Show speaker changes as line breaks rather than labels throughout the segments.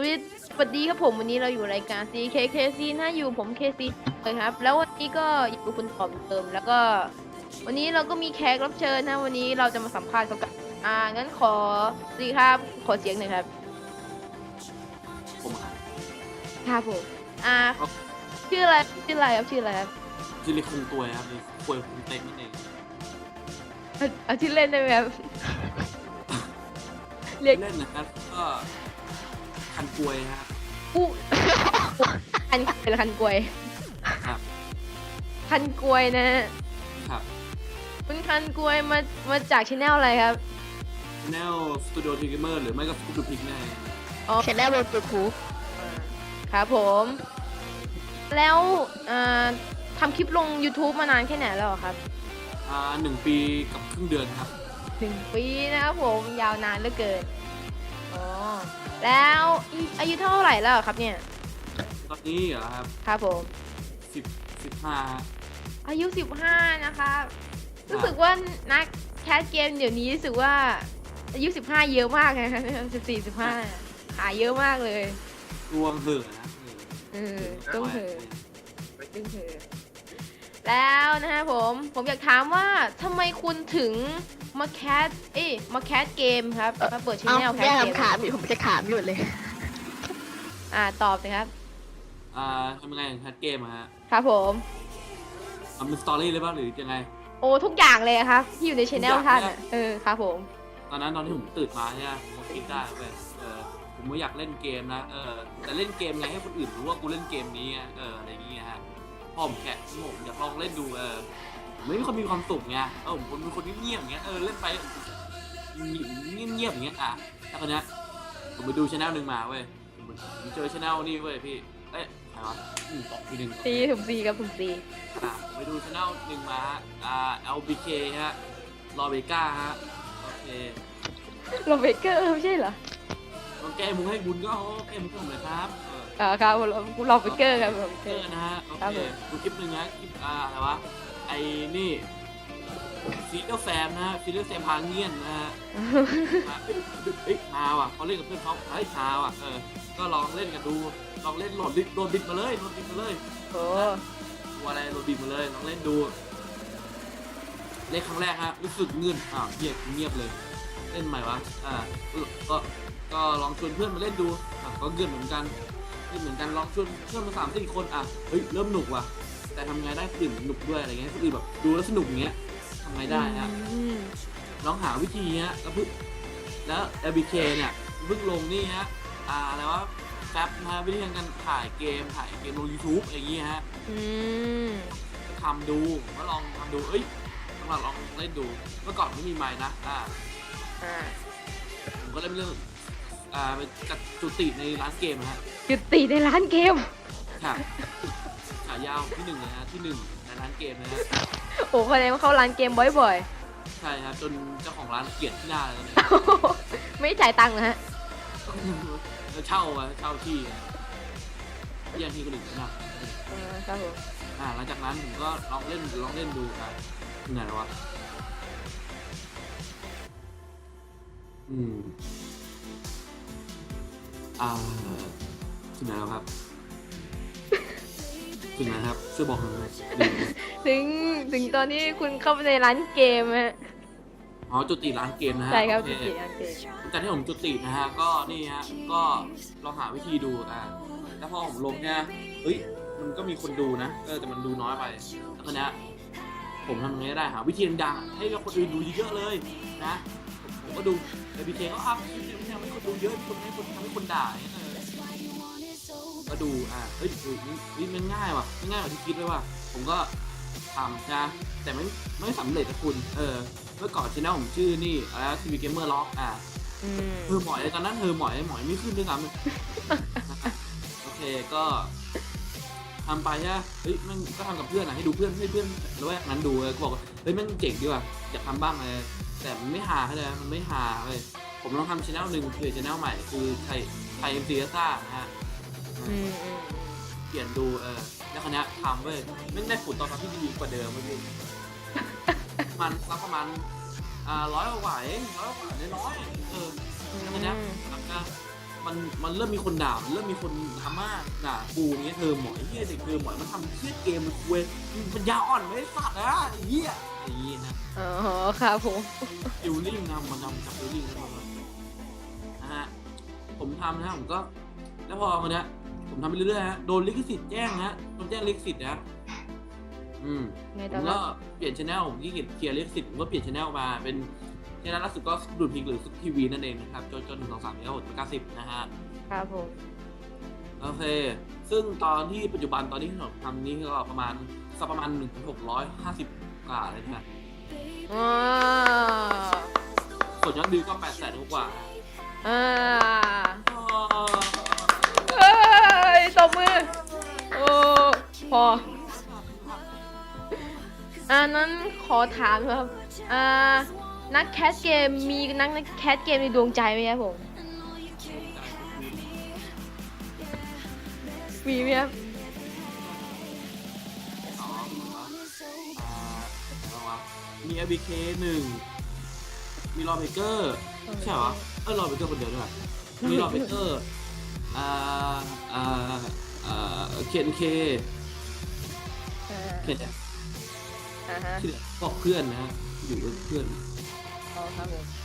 สวัสดีครับผมวันนี้เราอยู่รายการ CKKC นะอยู่ผม KC เลยครับแล้ววันนี้ก็อยู่กับคุณตอมเติมแล้วก็วันนี้เราก็มีแขกรับเชิญนะวันนี้เราจะมาสัมภาษณ์เขากันงั้นขอสิครับขอเสียงหน่อยครับ
ผมครับ
ครับผมอ่าชื่ออะไรครับ
จิริคงตัวครับหรือควยคงเต็มนั่นเอง
เอาชื่อเล่นได้ไหมครับเรียก
เล่นนะครับก็คันกวยฮะ
ผู้คันเป็นคันกวย
ครับ
คันกวยนะฮะ
ครับ
คุณคันกวยมาจากชแนลอะไรครับ
แนวสตูดิโอทีเกมเมอร์หรือไม่ก็สตูดิโอพิกแน่
อ๋อชแนลบนยูทูบครับผมแล้วทำคลิปลง YouTube มานานแค่ไหนแล้วครับ
1 ปีกับครึ่งเดือนครับ
1 ปีนะครับผมยาวนานเหลือเกินอ๋อแล้วอายุเท่าไหร่แล้วครับเนี่ย
ตอนนี้เหรอครับ
ครับผม
15
อายุ15นะคะรู้สึกว่านักแคสเกมเดี๋ยวนี้รู้สึกว่าอายุ15เยอะมากนะ14 15หาเยอะมากเลย
รวมเหือะนะ
ต้องเหอะต้องเหอะแล้วนะฮะผมอยากถามว่าทำไมคุณถึงมาแคสเกมครับมาเปิดช่องแนวแคสเกม
ถามอยู่ผมจะถามอยู่เลย
ตอบเลยครับ
ทำยังไงแคสเกมอะฮะ
ครับผม
ทำเป็นสตอรี่เลยป่ะหรือยังไง
โอ้ทุกอย่างเลยครับที่อยู่ในช่องท่านครับผม
ตอนที่ผมตื่นมาใช่ไหมผมคิดได้เว้ยผมไม่อยากเล่นเกมนะแต่เล่นเกมไงให้คนอื่นรู้ว่ากูเล่นเกมนี้อะไรอย่างเงี้ยฮะพ่อผมแค่ผมอยากลองเล่นดูผมไม่มีคนมีความสุขไงผมเป็นคนเงียบๆอย่างเงี้ยเล่นไปเงียบๆอย่างเงี้ยแล้วคนเนี้ยผมไปดูช่องหนึ่งมาเว้ยผมเจอช่องนี่เว้ยพี่ใครวะตอบทีหนึ่ง
ถุงซีครับถุงซี
ไปดูช่องหนึ่งมาLBK ฮะลอเบก้าฮะโอเค
โรเบเกอร์ไม่ใช่เหรอ
แก้มุงให้บุญก็แก้มุงให้ผมเลยครับ
ครับโรเบเกอร์ครับโรเบเกอร์
นะฮะโอเคดูคลิปหนึ่งนะคลิปอะไรวะไอ้นี่ฟีเดอร์แฟมนะฮะฟีเดอร์แฟมพาเงียนนะฮะฮาว่ะเขาเล่นกับเพื่อนเขาฮาว่ะก็ลองเล่นกันดูลองเล่นโหลดบิดมาเลย
โอ้
ตัวอะไรโหลดบิดมาเลยลองเล่นดูเล่นครั้งแรกฮะรู้สึกเงื่อนเงียบเลยเล่นใหม่วะก็ลองชวนเพื่อนมาเล่นดูก็เงื่อนเหมือนกันลองชวนเพื่อนมา3-4 คนเฮ้ยเริ่มหนุกว่ะแต่ทำไงได้คนอื่นหนุกด้วยอะไรเงี้ยคนอื่นแบบดูแล้วสนุกอย่างเงี้ยทำไงได้ฮะลองหาวิธีเงี้ยแล้ว LBK เนี่ยเพิ่งลงนี่ฮะอะไรวะแป๊บนะวิธีการถ่ายเกมลง YouTube อะไรอย่างเงี้ยฮะทำดูก็ลองทำดูลองเล่นดูเมื่อก่อนไม่มีไมค์นะผมก็เล่นเรื่องไปจัดจุติในร้านเกมฮะ
จุติในร้านเกม
ค่ะฉายาวที่1นะฮะที่1ในร้านเกมนะฮะ
โอ้คนนี้มาเข้าร้านเกมบ่อย
ๆใช่ครับจนเจ้าของร้านเกลียดที่หน้าเลยตอนนี้
ไม่จ่ายตังค์นะฮะ
เช่าที่ยังที่คนอื่นนะครับ
ผม
หลังจากนั้นผมก็ลองเล่นดูกันถึงไหนแล้ววะถึงไหนแล้วครับถึงไหนครับช่วยบอกหน่อย
ถึงตอนนี้คุณเข้าไปในร้านเกมฮะ
จุติร้านเกมนะฮะ
ใช่ครับจุติร้านเกม
แต่ที่ผมจุตินะฮะก็นี่ฮะก็ลองหาวิธีดูแล้วพอผมลงเนี่ยมันก็มีคนดูนะแต่มันดูน้อยไปแล้วคนนี้ผมทำไงได้หาวิธีดังๆให้กับคนอื่นดูเยอะๆเลยนะผมก็ดูLBKก็คลิปนี้ทำให้คนดูเยอะทำให้คนด่าก็ดูนี่มันง่ายว่ะไม่ง่ายกว่าที่คิดเลยว่ะผมก็ทำนะแต่ไม่สำเร็จนะคุณเมื่อก่อนช่องผมชื่อนี่ทีวีเกมเมอร์ล็อกหมอยตอนนั้นหมอยไม่ขึ้นด้วยซ้ำโอเคก็ทำไปใช่ไหมมันก็ทำกับเพื่อนให้ดูเพื่อนแล้วแวกนั้นดูก็บอกมันเจ๋งดีว่ะอยากทำบ้างเลยแต่มันไม่ฮาเลยมันไม่ฮาเลยผมลองทำช่องหนึ่งคือช่องใหม่คือไทยMCซ่านะฮะเปลี่ยนดูแล้วคณะทำเว้ยไม่ได้ผลตอบรับที่ดีกว่าเดิมเมื่อกี้มันรับประมาณ100 กว่าเอง100 กว่าน้อยแล้วคณะมันเริ่มมีคนด่ามันเริ่มมีคนดราม่าด่ากูเงี้ยเธอหมอยเฮียเด็กเธอหมอยมันทำเชี่ยเกมมันเว้ยมันยาอ่อนไม่สัตว์นะไอ้เฮียไอ้เฮียนะ
อ๋อครับผม
ฟิลลิ่งนะมันทำกับฟิลลิ่งนะฮะผมทำนะผมก็แล้วพอวันเนี้ยผมทำไปเรื่อยๆฮะโดนลิขสิทธิ์แจ้งฮะโดนแจ้งลิขสิทธิ์นะ
ไง
ผ
ต่อ
ม
ครั
ก็
บ
เปลี่ยนชแนลผมที่เคลียร์ลิขสิทธิ์ผมก็เปลี่ยนชแนลมาเป็นชแนลล่าสุดก็ดูดพิกหรือทีวีนั่นเองนะครับจน1 2 3 4 5 6 7 8 9 10นะฮะ
ครับผม
โอเคซึ่งตอนที่ปัจจุบันตอนนี้ที่ผมทำนี้ก็ประมาณ1,650กว่าเลยนะ
ว้า
ส่วนยอดวิวก็800,000กว่า
อ่า
อ๋อ
เอ้ยตบมือโอ้พอนั้นขอถามครับนักแคสเกมมีนักแคสเกมในดวงใจไหมครับผมมีไหมครับ
มี ABK 1 มีรอเบเกอร์ใช่เหรอรอเบเกอร์คนเดียวด้วยมีรอเบเกอร์เคนเคเคนที่เหลือก็เพื่อนนะฮะอยู่กับเพื่อน
อ๋อครับผม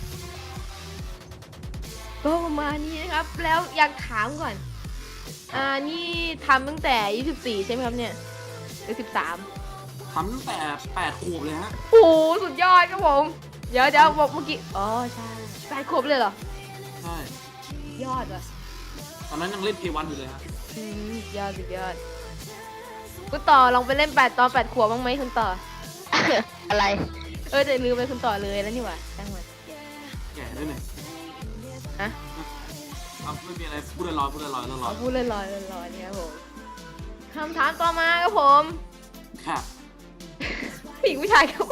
ก็ประมาณนี้นะครับแล้วอยากถามก่อนนี่ทำตั้งแต่24ใช่ไหมครับเนี่ยหรือ13
ทำตั้งแต่8 ขวบเลยฮะ
โอ้โหสุดยอดครับผมเดี๋ยวบอกเมื่อกี้อ๋อใช่8 ขวบเลยเหรอ
ใช่
ยอดว่ะ
ตอนนั้นยังเล่นเพย์วันอยู่เลยฮะ
สุดยอดสุดยอดคุณต่อลองไปเล่นตอน8 ขวบบ้างไหมคุณต่อ
อะไร
แต่ลืมไปคุณต่อเลยแล้วนี่หว่าตั้งมัน
แก่ด้วยเนี่ย
ฮะ
ไม่มีอะไรพูดลอยๆพูดลอยๆ
พูดลอยๆนี่ครับผมคำถามต่อมาครับผม
ค่ะ
ผู้หญิงผู้ชายครับ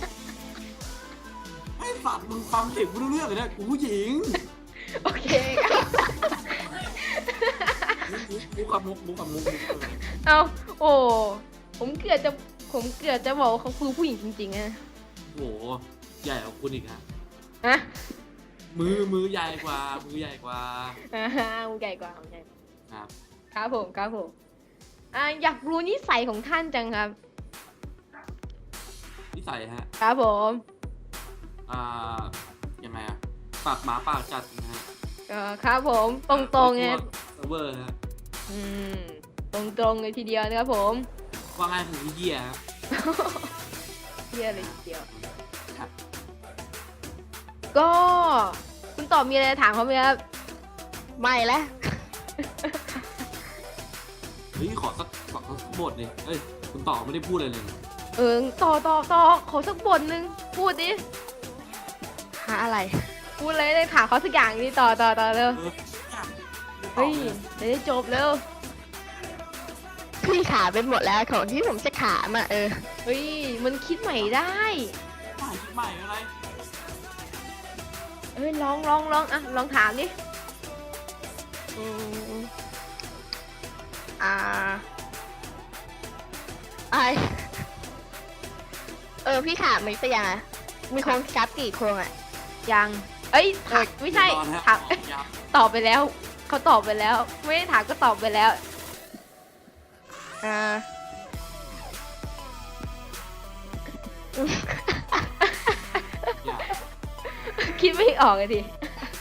ไอ้สัตว์มึงฟังเสียงกูรู้เรื่องเลยนะกูผู้หญิง
โอเคครับ
มุกกับมุก
เอาโอ้ผมเกือบจะบอกว่าเขาคือผู้หญิงจริงๆนะ
โอ้โหใหญ่กว่าคุณอีกฮะ
ฮะ
มือใหญ่กว่ามือใหญ่กว่า
มึงใหญ่กว่ามึงใหญ่
ครับ
ครับผมอยากรู้นิสัยของท่านจังครับ
นิสัยฮะ
ครับผม
ยังไงอะปากหมาปากจัดนะฮะ
ครับผมตรงๆไง
เซิร์ฟเวอร์ฮะ
ตรงๆเลยทีเดียวนะครับผม
ว่าง่ายคือเหี้ยฮะ
เที่ยเลยทีเดียว
ครับ
ก็คุณตอบมีอะไรจะถามเขาไหมครับ
ไม่แล้ว
เฮ้ยขอสักบทเลยเอ้ยคุณต่อไม่ได้พูดอะไรเลย
ต่อขอสักบทหนึ่งพูดดิ
หาอะไร
พูดเลยได้ถามเขาสักอย่างดิต่อเร็วเฮ้ยจะได้จบเร็ว
พี่ขาเป็นหมดแล้วของที่ผมจะขามอ่ะ
เฮ้ยมันคิดใหม่ได้
คิดใหม่อะไร
เฮ้ยลองลองถามดิ
อืมไอพี่ขาไม่ไปยังอะมีโครงกราฟกี่โครงอ่ะ
ยังเอ้ยถามไม่ใช่ถามตอบไปแล้วเขาตอบไปแล้ว ไม่ได้ถามก็ตอบไปแล้ว คิดไม่ออกเลยดิ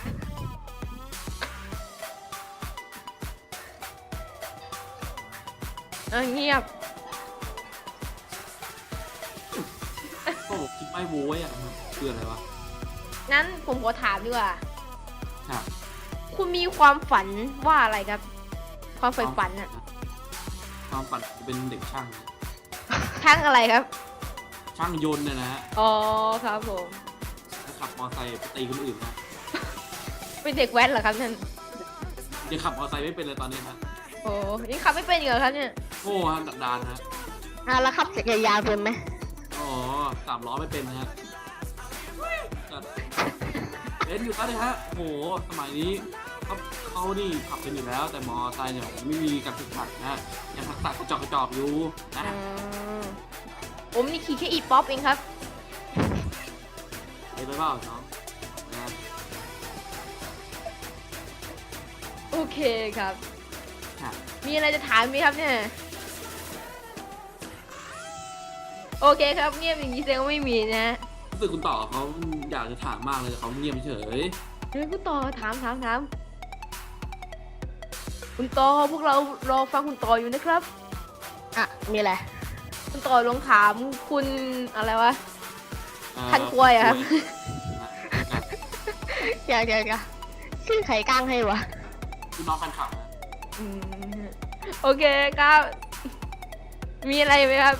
เงียบ
ก็บอกคิดไม่โว้ยอ่ะมันคืออะไรวะ
งั้นผมขอถามดีกว่า
ครับ
คุณมีความฝันว่าอะไรครับ ความใฝ่ฝันอะ
ความฝันจะเป็นเด็กช่าง
ช่างอะไรครับ
ช่างยนต์เนี่ยนะฮะ
อ๋อครับผม
แล้วขับมอเตอร์ไซค์ไปตีคนอื่นนะ
เป็นเด็กแว้นเหรอครับนั่น
ยังขับมอเตอร์ไซค์ไม่เป็นเลยตอนนี้นะ
โอ้ยังขับไม่เป็นอีกเหรอครับเนี่ย
โอ้ฮะดักดานฮะ
แล้วขับจักรยานเป็นไหม
อ๋อ3 ล้อไม่เป็นนะฮะเป็นอยู่แล้วเลยฮะโหสมัยนี้เขานี่ขับเป็นอยู่แล้ว แต่มอเตอร์ไซค์เนี่ยไม่มีการฝึกหัดนะยังทักษะกระจอกอยู่นะ
ผมนี่ขี่แค่อีป๊อปเองครับ
ไปเปล่าน้องนะ
โอเคครับ
ครับ
มีอะไรจะถามไหมครับเนี่ยโอเคครับเงียบอย่างนี้แสดงว่าไม่มีนะ
รู้สึกคุณต่อเขาอยากจะถามมากเลยแต่เขาเงียบเฉย
เดี๋ยวคุณต่อถามคุณต่อพวกเรารอฟังคุณต่ออยู่นะครับ
อ่ะ มีอะไร
คุณต่อลองถามคุณอะไรวะ
อ่า
คันควยอะครับ
ครับ
เดี๋ยวชื่อใครกลางให้วะ
คุณน้องแฟนคลับนะ
อืมโอเคครับ มีอะไรไหมครับ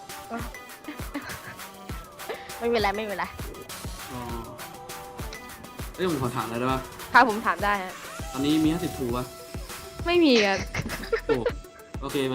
ไม่เป็นไร
อ๋อเอ้ยผมขอถามอะไรได้ปะ
ถ้าผมถามได้ฮะ
ตอนนี้มี50ทูปะ
ไม่มีครับ
โอ้โอเคไป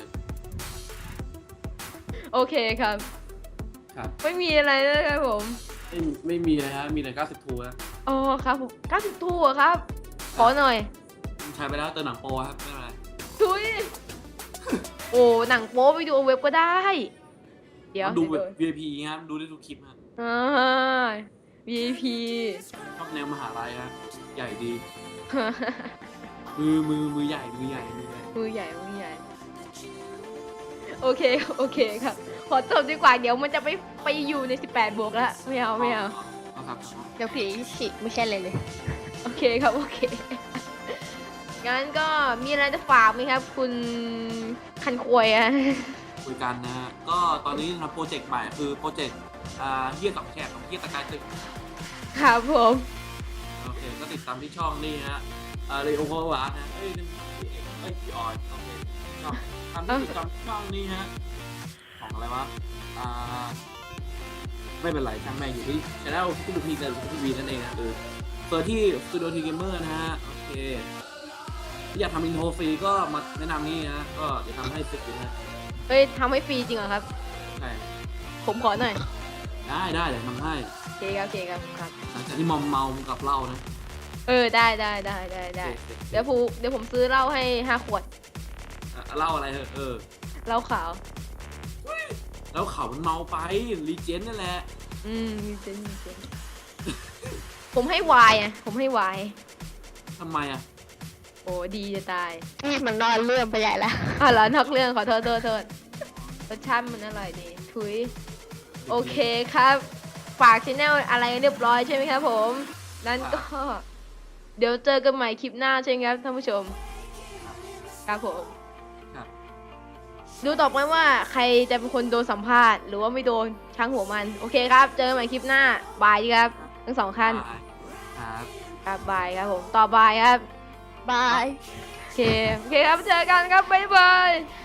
โอเคครับ
ครับ
ไม่มีอะไรนะครับผม
ไม่มีเลยฮะมีแต่90ทูอะ
อ๋อครับผม90ทูอะครับ ขอหน่อย
ใช้ไปแล้วเติมหนังโปรครับไม่เป็นไร
ทุย โอ้หนังโป๊ไปดูเว็บก็ได้ เดี๋ยว
ดูแบบ
เดี๋ยว
VIP ครับดูได้ทุกคลิปครับ
อ่า VIP
ชอบแนวมหาลัยครับใหญ่ดี มือใหญ่มือใหญ่
มือใหญ่ โอเคครับ ขอจบดีกว่า เดี๋ยวมันจะไปอยู่ใน 18 บวกแล้ว ไม่เอา
เอาครับ
เดี๋ยวผีฉีกไม่ใช่เลยเลย
โอเคครับ โอเค งั้นก็มีอะไรจะฝากไหมครับ คุณคันควยอะ
คุยกันนะฮะก็ตอนนี้ทำโปรเจกต์ใหม่คือโปรเจกต์เฮียกับแขกกับเฮียตะกายตึก
ครับผม
โอเคก็ติดตามที่ช่องนี่ฮะเรโอโควานะพี่ออยโอเคก็ตามที่ติดตามช่องนี่ฮะของอะไรวะไม่เป็นไรช่างแม่งอยู่ที่ช anel ที่ดูพีกับทีวีนั่นเองนะเปิดที่สตูดิโอทีเกมเมอร์นะฮะโอเคอยากทำอินโทรฟรีก็มาแนะนำนี่ฮะก็เดี๋ยวทำให้ฟรีนะ
เฮ้ยทำให้ฟรีจริงเหรอครับ
ใช่
ผมขอหน่อย
ได้เดี๋ยวทำให้
โอเคครับ
หลังจากที่มอมเมากับเหล้านะ
ได้ เดี๋ยวผมซื้อเหล้าให้5 ขวด
เหล้าอะไร
เหล้าขาว
แล้วเขามันเมาไปรีเจนนั่นแหละ
มีเจนผมให้วายผมให้วาย
ทำไมอ่ะ
โอ้ดีจะตาย
นี่มันนอนเรื่องไปใหญ่แล้ว
เหรอนอกเรื่องขอโทษรสชาติมันอร่อยดีทุยโอเคครับ ฝากชแนลอะไรเรียบร้อยใช่ไหมครับผมนั้นก็ เดี๋ยวเจอกันใหม่คลิปหน้าใช่ไหมครับท่านผู้ชม ครับผม
ครับ
ดูต่อไปว่าใครจะเป็นคนโดนสัมภาษณ์หรือว่าไม่โดนช่างหัวมัน โอเคครับ เจอกันใหม่คลิปหน้าบายครับทั้งสองท่าน
ครับ
ครับบายครับผมต่อบายครับ
บาย
โอเคครับเจอกันครับบ๊ายบาย